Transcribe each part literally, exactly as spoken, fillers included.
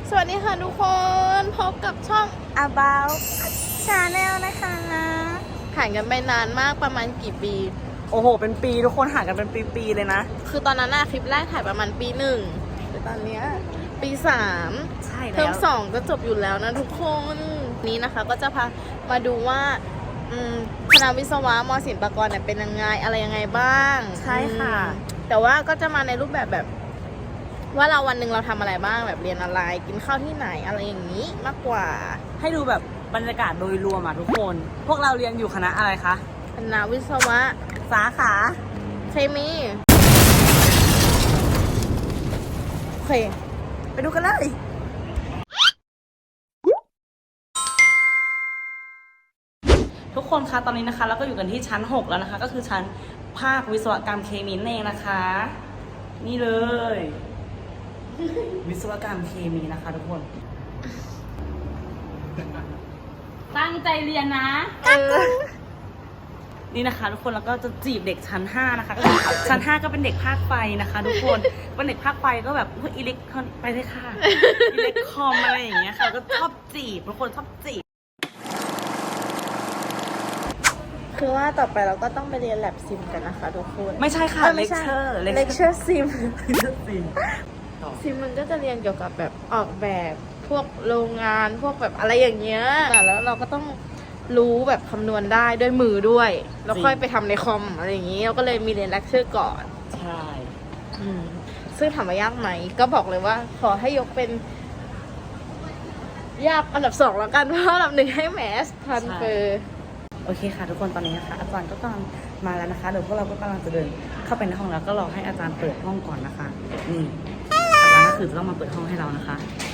สวัสดีค่ะทุกคนพบกับช่อง About Channel นะคะห่างกันไปนานมากประมาณกี่ปีโอ้โหเป็นปีทุกคนห่างกันเป็นปีๆเลยนะคือตอนนั้นอะคลิปแรกถ่ายประมาณปีหนึ่งแต่ตอนเนี้ยปีสามใช่แล้วเทอมสองก็จบอยู่แล้วนะทุกคนนี้นะคะก็จะพามาดูว่าคณะวิศวะม.ศิลปากรเนี่ยเป็นยังไงอะไรยังไงบ้างใช่ค่ะแต่ว่าก็จะมาในรูปแบบแบบว่าเราวันหนึ่งเราทำอะไรบ้างแบบเรียนอะไรกินข้าวที่ไหนอะไรอย่างนี้มากกว่าให้ดูแบบบรรยากาศโดยรวมอ่ะทุกคนพวกเราเรียนอยู่คณะอะไรคะคณะวิศวะสาขาเคมีโอเคไปดูกันเลยทุกคนคะตอนนี้นะคะเราก็อยู่กันที่ชั้นหกแล้วนะคะก็คือชั้นภาควิศวกรรมเคมีเองนะคะนี่เลยวิศวกรรมเคมีนะคะทุกคนตั้งใจเรียนนะนี่นะคะทุกคนแล้วก็จะจีบเด็กชั้นห้านะคะก็คือชั้นห้าก็เป็นเด็กภาคไฟนะคะทุกคนเป็นเด็กภาคไฟก็แบบอิเล็กทรอนไปเลยค่ะอิเล็กคอมอะไรอย่างเงี้ยค่ะก็ชอบจีบทุกคนชอบจีบคือว่าต่อไปเราก็ต้องไปเรียนแลบซิมกันนะคะทุกคนไม่ใช่ค่ะเลคเชอร์เลคเชอร์ซิมเลคเชอร์ซิมซิมมันก็จะเรียนเกี่ยวกับแบบออกแบบพวกโรงงานพวกแบบอะไรอย่างเงี้ยแล้วเราก็ต้องรู้แบบคำนวณได้ด้วยมือด้วยแล้วค่อยไปทำในคอมอะไรอย่างงี้เราก็เลยมีเรียนเลคเชอร์ก่อนใช่ซึ่งถามว่ายากไหมก็บอกเลยว่าขอให้ยกเป็นยากอันดับสองแล้วกันเพราะอันดับหนึ่งให้แมสทันเฟอร์โอเคค่ะทุกคนตอนนี้นะคะอาจารย์ก็กำลังมาแล้วนะคะเดี๋ยวพวกเราก็กำลังจะเดินเข้าไปในห้องแล้วก็รอให้อาจารย์เปิดห้องก่อนนะคะนี่อาจารย์ก็คือจะต้องมาเปิดห้องให้เรานะคะ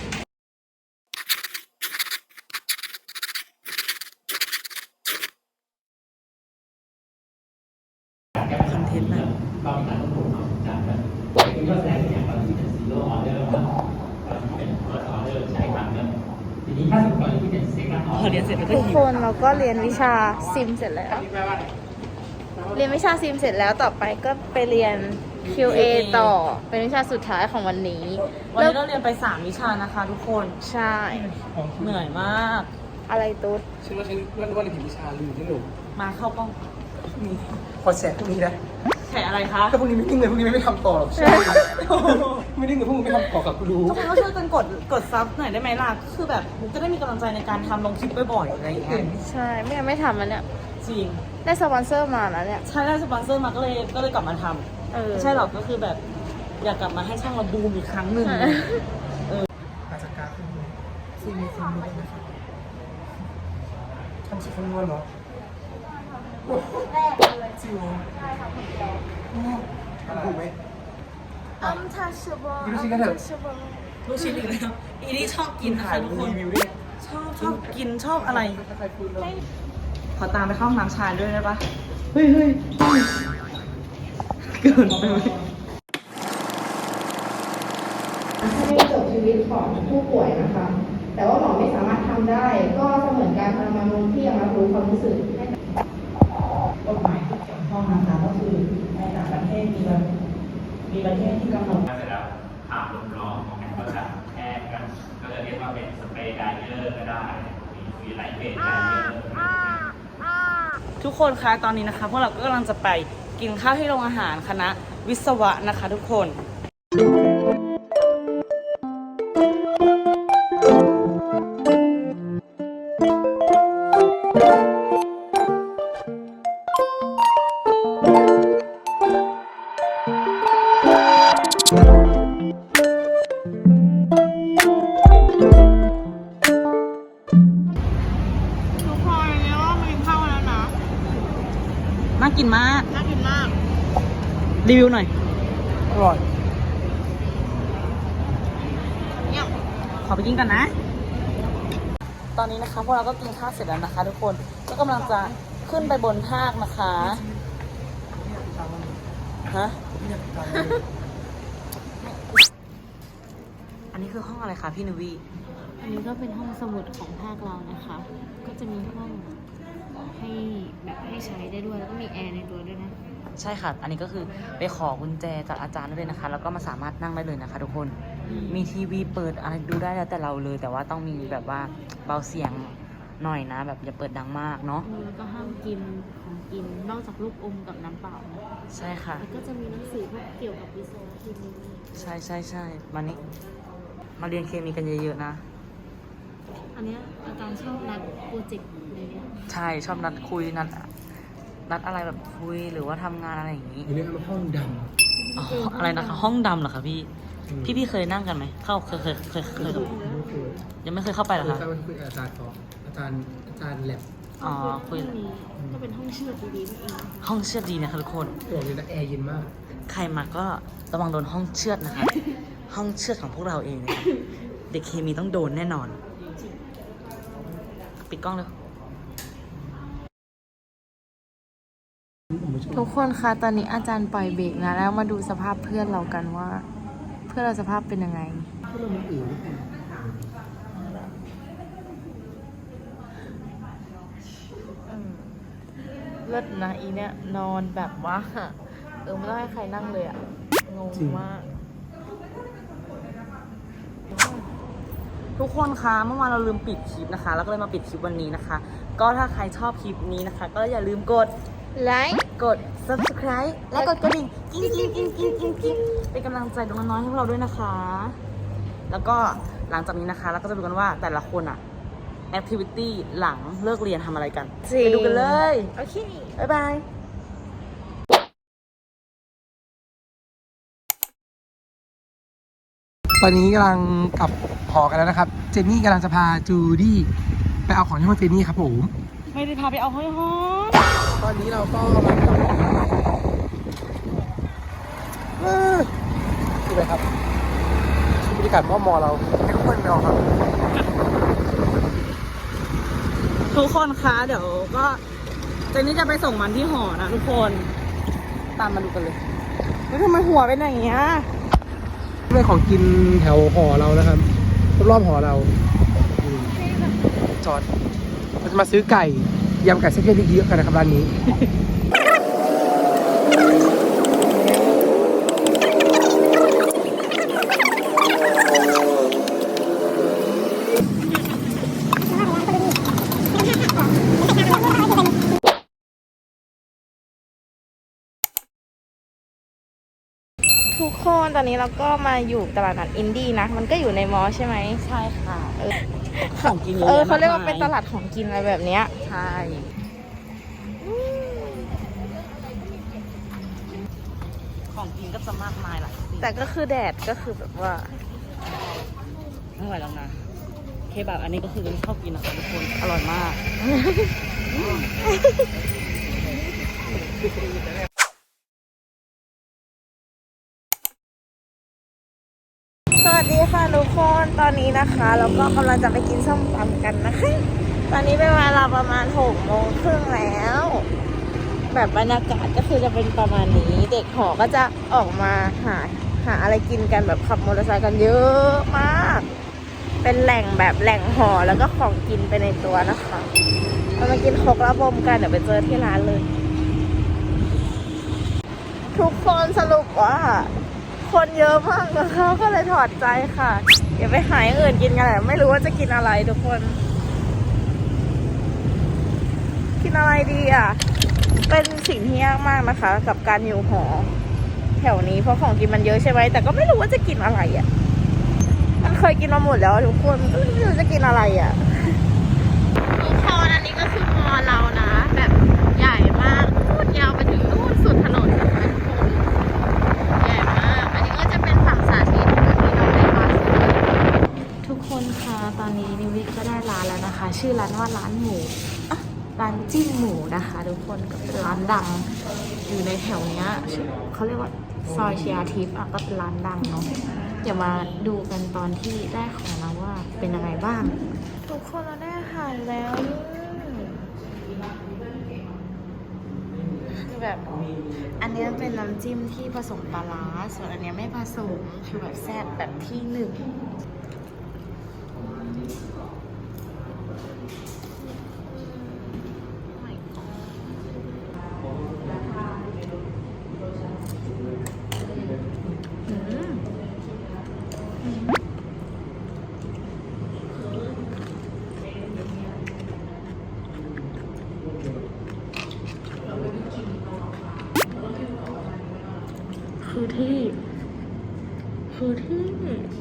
คอนเทนต์แบบพอเรียนเสร็จแล้วก็ทุกคนเราก็เรียนวิชาซิมเสร็จแล้วเรียนวิชาซิมเสร็จแล้วต่อไปก็ไปเรียน คิว เอ ต่อเป็นวิชาสุดท้ายของวันนี้วันนี้เราเรียนไปสามวิชานะคะทุกคนใช่เหนื่อยมากอะไรตุ๊ดฉันว่าฉันว่าว่าในผิววิชาลืมที่หนูมาเข้ากล้องนี่พอแฉพวกนี้นะแฉอะไรคะถ้าพวกนี้ไม่นิ่งเลยพวกนี้ไม่ทำต่อหรอกใช่ไม่นิ่งเลยพวกมึงไม่ทำต่อกับกูรู้ทุกคนก็ช่วยกันกดกดซับหน่อยได้ไหมล่ะคือแบบมุกจะได้มีกำลังใจในการทำลงคลิปบ่อยๆอะไรอย่างเงี้ยใช่ไม่งั้นไม่ทำมันเนี่ยจริงได้สปอนเซอร์มาแล้วเนี่ยใช่ได้สปอนเซอร์มาก็เลยก็เลยกลับมาทำไม่ใช่หรอกก็คือแบบอยากกลับมาให้ช่องเราบูมอีกครั้งหนึ่งเอออาจจะการขึ้นซีมีซีมีด้วยนะคะทำสุดคำนวณเหรอจริงเหรอใช่ค่ะคนเดียวถูกไหม untouchable ดูชิ้นกันเถอะลูกชิ้นอีกแล้วอีนี่ชอบกินนะคะทุกคนชอบชอบกินชอบอะไรขอตามไปเข้าห้องน้ำชายด้วยได้ปะเฮ้ยเฮ้ยเกินไปไหมให้จบชีวิตของผู้ป่วยนะคะ แต่ว่าหมอไม่สามารถทำได้ ก็เสมือนการทรมานลงที่ยังรับรู้ความรู้สึกกฎหมายที่เกี่ยวข้องนะคะก็คือในต่างประเทศมีมีประเทศที่กำหนดเสร็จแล้วผ่าลมร้อนก็จะแค่กันก็จะเรียกว่าเป็นสเปรย์ไดเออร์ก็ได้มีหลายเกรดไดเออร์ทุกคนคะตอนนี้นะคะพวกเราก็กำลังจะไปกินข้าวที่โรงอาหารคณะวิศวะนะคะทุกคนน่ากินมากน่ากินมากรีวิวหน่อยอร่อยเนี่ยขอไปกินกันนะตอนนี้นะคะพวกเราก็กินข้าวเสร็จแล้วนะคะทุกคนก็กำลังจะขึ้นไปบนภาคนะคะฮะอันนี้คือห้องอะไรคะพี่นวีอันนี้ก็เป็นห้องสมุดของภาคเรานะคะก็จะมีห้องให้แบบให้ใช้ได้ด้วยแล้วก็มีแอร์ในตัวด้วยนะใช่ค่ะอันนี้ก็คือไปขอกุญแจจากอาจารย์ได้เลยนะคะแล้วก็มาสามารถนั่งได้เลยนะคะทุกคนมีทีวีเปิดอะไรดูได้แล้วแต่เราเลย แต่ว่าต้องมีแบบว่าเบาเสียงหน่อยนะ แบบอย่าเปิดดังมากเนาะเออแล้วก็ห้ามกินของกินนอกจากลูกอมกับน้ำเปล่านะใช่ค่ะแล้วก็จะมีหนังสือพวกเกี่ยวกับวิศวะเคมีใช่ใช่ใช่มานี่มาเรียนเคมีกันเยอะๆนะอันเนี้ยอาจารย์ชอบนัดโปรเจกต์ในเนี้ยใช่ชอบนัดคุยนัดนัดอะไรแบบคุยหรือว่าทำงานอะไรอย่างนี้เรียกว่าห้องดอ๋ออะไรนะคะห้องดำเหรอคะพี่ำพี่พี่เคยนั่งกันไหมเข้าเคยเคยเคยเคยไม่เคยยังไม่เคยเข้าไปเหรอคือคะถ้ามันคุยกับอาจารย์เขาอาจารย์อาจารย์แลบอ๋อคุยห้องนี้ก็เป็นห้องเชือดดีๆนั่นเองนะคะห้องเชือดดีนะคะทุกคนตัวนี้นะแอร์เย็นมากใครมาก็ระวังโดนห้องเชือดนะคะ ห้องเชือดของพวกเราเองนะคะเด็กเคมีต้องโดนแน่นอน ปิดกล้องเลยทุกคนคะตอนนี้อาจารย์ปล่อยเบรกนะแล้วมาดูสภาพเพื่อนเรากันว่า เพื่อนเราสภาพเป็นยังไงถ้าเรามันอื่นเลิศนะอีเนี่ยนอนแบบว่าเออไม่ต้องให้ใครนั่งเลยอะงงมากทุกคนคะเมื่อวานเราลืมปิดคลิปนะคะ แล้วก็เลยมาปิดคลิปวันนี้นะคะ ก็ถ้าใครชอบคลิปนี้นะคะ ก็อย่าลืมกดไลค์กด subscribe และกดกระดิ่งกิ้งกิ้งกิ้งกิ้งกิ้งกิ้งเป็นกำลังใจดวงน้อยให้พวกเราด้วยนะคะ แล้วก็หลังจากนี้นะคะเราก็จะดูกันว่าแต่ละคนอะ activity หลังเลิกเรียนทำอะไรกัน ไปดูกันเลยโอเคบ๊ายบายตอนนี้กำลังกลับหอกันแล้วนะครับ เจนนี่กำลังจะพาจูดี้ไปเอาของที่ห้องเจนนี่ครับผมไม่ได้พาไปเอาห้อยห้อยตอนนี้เราก็มากลับเออนี่เลยครับบรรยากาศมอมอเราให้ทุกคนไปออกครับทุกคนคะเดี๋ยวก็เจนนี่จะไปส่งมันที่หอนะทุกคนตามมาดูกันเลยแล้วทำไมหัวเป็นอย่างเงี้ยเป็นของกินแถวหอเรานะครับรอบๆหอเราอืมจอดเราจะมาซื้อไก่ยำไก่เส้นเล็กเยอะกันนะครับร้านนี้ทุกคนตอนนี้เราก็มาอยู่ตลาดนัดอินดี้นะ มันก็อยู่ในมอใช่ไหมใช่ค่ะเออของกินเออเขาเรียกว่าเป็นตลาดของกินอะไรแบบเนี้ยใช่ของกินก็จะมากมายหลายสิ่งแต่ก็คือแดดก็คือแบบว่าไม่ไหวแล้วนะเคบับอันนี้ก็คือชอบกินนะคะทุกคนอร่อยมากสวัสดีค่ะทุกคนตอนนี้นะคะเราก็กำลังจะไปกินส้มตำกันนะคะ ตอนนี้เป็นเวลาประมาณหกโมงครึ่งแล้ว แบบบรรยากาศก็คือจะเป็นประมาณนี้ เด็กหอก็จะออกมาหาหาอะไรกินกันแบบขับมอเตอร์ไซค์กันเยอะมาก เป็นแหล่งแบบแหล่งหอแล้วก็ของกินไปในตัวนะคะเรามากินครกระบมกันเดี๋ยวไปเจอที่ร้านเลย ทุกคนสรุปว่าคนเยอะมากนะคะก็เลยถอดใจค่ะเดี๋ยวไปหาอย่างอื่นกินกันแหละไม่รู้ว่าจะกินอะไรทุกคน กินอะไรดีอ่ะเป็นสิ่งที่ยากมากนะคะ กับการอยู่หอแถวนี้เพราะของกินมันเยอะใช่ไหมแต่ก็ไม่รู้ว่าจะกินอะไรอ่ะมันเคยกินมาหมดแล้วทุกคนก็ไม่รู้จะกินอะไรอ่ะทุกคนอันนี้ก็คือมอเรานะแบบใหญ่มากพูดยาวไปถึงนู่นสุดถนนนะคะทุกคนใหญ่มากอันนี้ก็จะเป็นฝั่งสาธิตที่เราได้มาทุกคนคะตอนนี้นิวิก็ได้ร้านแล้วนะคะ ชื่อร้านว่าร้านหมูอ่ะร้านจิ้มหมูนะคะทุกคนก็เป็นร้านดังอยู่ในแถวเนี้ยชื่อเขาเรียกว่าซอยเชียร์ทิพย์อ่ะก็เป็นร้านดังเนาะเดี๋ยวมาดูกันตอนที่ได้ของเราว่าเป็นยังไงบ้าง ทุกคนเราได้อาหารแล้วคือแบบอันนี้เป็นน้ำจิ้มที่ผสมปลาร้าส่วนอันเนี้ยไม่ผสมคือแบบแซ่บแบบที่หนึ่งอืม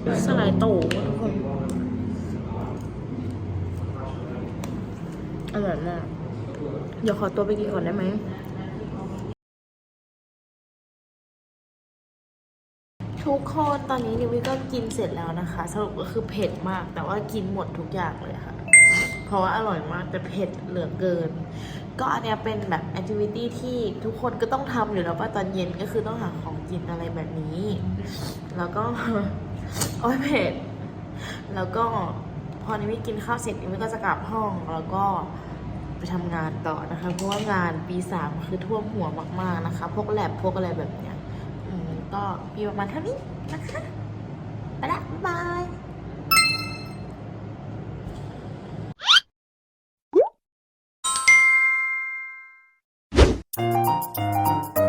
สไลด์โตทุกคนอร่อยมาก เดี๋ยวขอตัวไปกินก่อนได้ไหม ทุกคนตอนนี้นิวิก็กินเสร็จแล้วนะคะ สรุปก็คือเผ็ดมาก แต่ว่ากินหมดทุกอย่างเลยค่ะ เพราะว่าอร่อยมากแต่เผ็ดเหลือเกิน ก็อันเนี้ยเป็นแบบแอคทิวิตี้ที่ทุกคนก็ต้องทำอยู่แล้วว่าตอนเย็นก็คือต้องหาของกินอะไรแบบนี้ แล้วก็ โอ้ยเผ็ด แล้วก็พอนิวิกินข้าวเสร็จนิวิก็จะกลับห้องแล้วก็ไปทำงานต่อนะคะ เพราะว่างานปีสามคือท่วมหัวมากๆนะคะ พวกแลบพวกอะไรแบบเนี้ย อืมก็มีประมาณเท่านี้นะคะ ไปละบ๊ายบาย